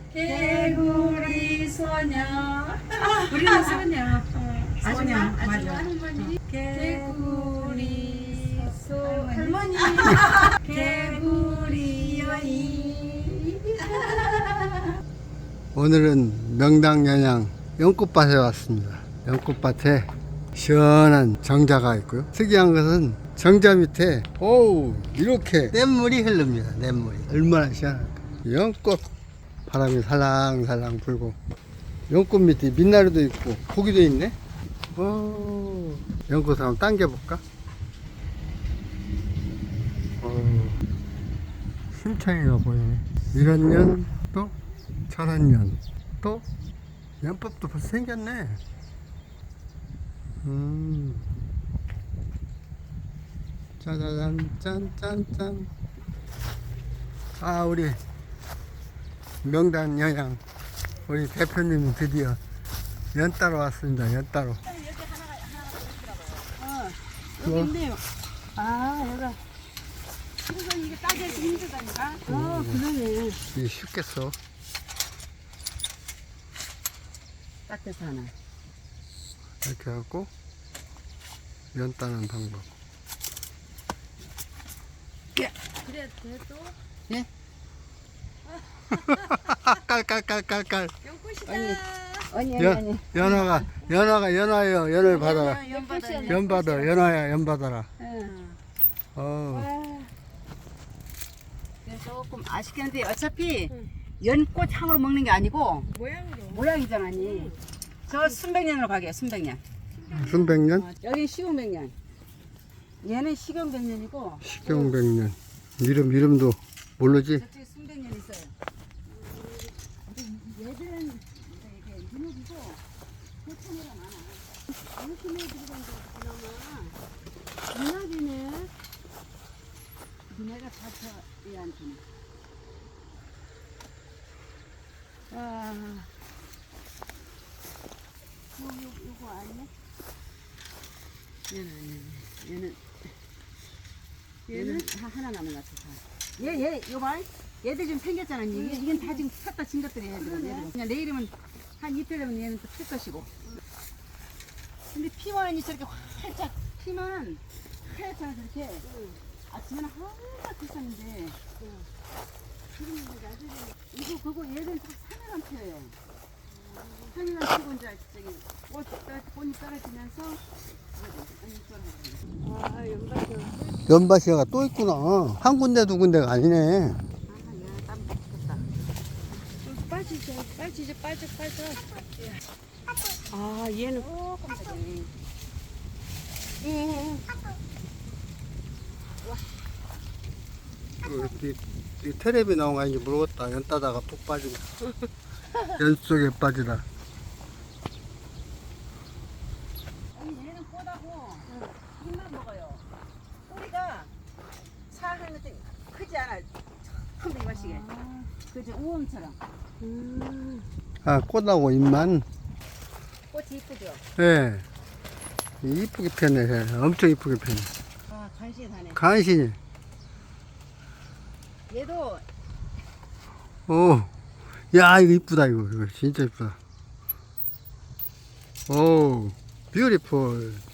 개구리 소녀. 우리는 소녀. 소녀, 아줌마 맞아. 할머니. 개구리 할머니. 개구리 여인. 오늘은 명당 연양 연꽃밭에 왔습니다. 연꽃밭에 시원한 정자가 있고요. 특이한 것은 정자 밑에 이렇게 냇물이 흐릅니다. 냇물이 얼마나 시원할까. 연꽃 바람이 살랑살랑 불고 연꽃 밑에 민나루도 있고 고기도 있네. 연꽃을 한번 당겨볼까? 심창이가 보이네. 이런 년 또 저런 년 또 연법도 벌써 생겼네. 짜자잔 짠짠짠. 우리 명단 여양 우리 대표님이 드디어 연 따러 왔습니다. 연 따러. 여기 있네요. 여기가. 그래서 이게 따기가 힘들다니까. 그러네. 이게 쉽겠어. 따뜻 하나. 이렇게 하고 연 따는 방법. 그래, 또? 예? 깔깔깔깔깔. 연꽃이다. 아니 연화요. 연을 받아라. 연꽃이야. 연 받아. 연화야 연 받아라. 응. 조금 아쉽긴 한데 어차피 연꽃 향으로 먹는 게 아니고 모양으로. 모양이잖아. 저 순백년으로 가게요. 순백년. 순백년, 여기 시공백년. 얘는 시경백년이고 식경백년. 이름도 모르지? 저쪽에 순백년 있어요. 얘들은 이렇게 유목이고 고추미가 많아. 이렇게 들어간 거 그나마 유목이네. 니네가 다쳐 얘한테는. 요거 아니네? 얘는 하나 남은 것 같아. 요 봐. 얘들 지금 생겼잖아. 이건 다 지금 샀다 진 것들이야. 얘들은. 그냥 내일이면 한 이틀 되면 얘는 또 필 것이고. 근데 피만이 저렇게 활짝 피만 하얗잖아 저렇게. 아침에는 하얗게 샀는데. 이거 그거 얘는 다 산에만 펴요. 산에만 피고 이제 저기 꽃이 떨어지면서 연밭이가 또 있구나. 한 군데 두 군데가 아니네. 빠져. 얘는 이 테레비 나온 거 아닌지 모르겠다. 연 따다가 푹 빠지고. 연 속에 빠지다. 얘는 꽃하고 잎만 먹어요. 뿌리가 사는 것도 크지 않아. 처음 이마시게. 그죠? 우엉처럼. 꽃하고 잎만. 꽃이 이쁘죠? 예. 이쁘게 폈네. 엄청 이쁘게 폈네. 간신히 다네. 간신히. 얘도 야, 이거 이쁘다, 이거 진짜 이쁘다. 뷰티풀.